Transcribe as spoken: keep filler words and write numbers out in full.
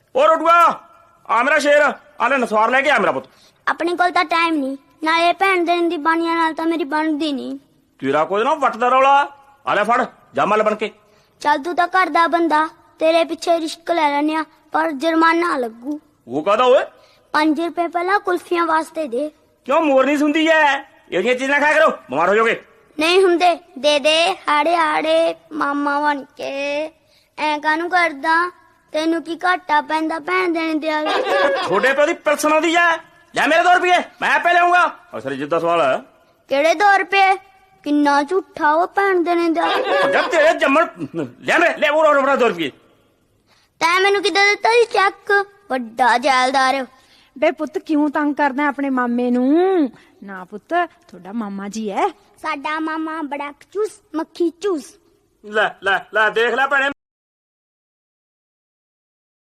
ਉਹ ਰੋਟੂਆ ਆ ਮੇਰਾ ਸ਼ੇਰ ਆ ਲੈ ਨਸਵਾਰ ਲੈ ਕੇ ਆ ਮੇਰਾ ਪੁੱਤ। ਆਪਣੇ ਕੋਲ ਤਾਂ ਟਾਈਮ ਨਹੀਂ, ਨਾਲੇ ਭੈਣ ਦੇਣ ਦੀ ਬਾਣੀਆਂ ਨਾਲ ਤਾਂ ਮੇਰੀ ਬਣਦੀ ਨਹੀਂ। ਤੇਰਾ ਕੋਈ ਨਾ ਵੱਟ ਦਾ ਰੌਲਾ। ਆ ਲੈ ਫੜ ਜਾ ਮੱਲ ਬਣ ਕੇ। ਚੱਲ ਤੂੰ ਤਾਂ ਘਰ ਦਾ ਬੰਦਾ, ਤੇਰੇ ਪਿੱਛੇ ਰਿਸ਼ਕ ਲੈ ਲੈਨੇ ਆ, ਪਰ ਜੁਰਮਾਨਾ ਲੱਗੂ। ਉਹ ਕਾਹਦਾ ਓਏ? ਪੰਜ ਰੁਪਏ ਪਹਿਲਾਂ ਕੁਲਫੀਆਂ ਵਾਸਤੇ ਦੇ। ਕਿਉਂ ਮੋਰਨੀ ਸੁਣਦੀ ਐ? ਇਹ ਜਿਹੀਆਂ ਚੀਜ਼ਾਂ ਖਾਇਆ ਕਰੋ, ਬਿਮਾਰ ਹੋ ਜਾਓਗੇ। ਨਹੀਂ ਹੁੰਦੇ, ਦੇ ਦੇ ਹਾੜੇ ਹਾੜੇ ਮਾਮਾ ਬਣ ਕੇ। ਐ ਕਾਹਨੂੰ ਕਰਦਾ, ਤੈਨੂੰ ਕੀ ਘਾਟਾ ਪੈਂਦਾ ਭੈਣ ਦੇਣ ਦਿਆ। ਛੋਟੇ ਪਿਓ ਦੀ ਪਲਸਣ ਆਉਂਦੀ ਐ। ਲੈ ਮੇਰੇ ਦੋ ਰੁਪਏ ਮੈਂ ਆਪੇ ਲਿਆਉਂਗਾ। ਅਸਲ ਜਿੱਦਾਂ ਸਵਾਲ ਹੈ ਕਿਹੜੇ ਦੋ ਰੁਪਏ? ਕਿੰਨਾ ਝੂਠਾ ਉਹ ਭੈਣ ਦੇਣੇ ਦਾ। ਜਦ ਤੇਰੇ ਜੰਮਣ ਲੈ ਮੇਰੇ ਲੈ ਉਹ ਰੋੜਾ ਦੋ ਰੁਪਏ। ਤੈਂ ਮੈਨੂੰ ਕਿੱਦਾਂ ਦਿੱਤਾ ਸੀ ਚੈੱਕ? ਵੱਡਾ ਜੈਲਦਾਰ। ਬੇ ਪੁੱਤ ਕਿਉਂ ਤੰਗ ਕਰਦਾ ਆਪਣੇ ਮਾਮੇ ਨੂੰ? ਨਾ ਪੁੱਤ ਤੁਹਾਡਾ ਮਾਮਾ ਜੀ ਐ। ਸਾਡਾ ਮਾਮਾ ਬੜਾ ਚੂਸ ਮੱਖੀ ਚੂਸ। ਲੈ ਲੈ ਲੈ ਦੇਖ ਲੈ ਭੈਣੇ।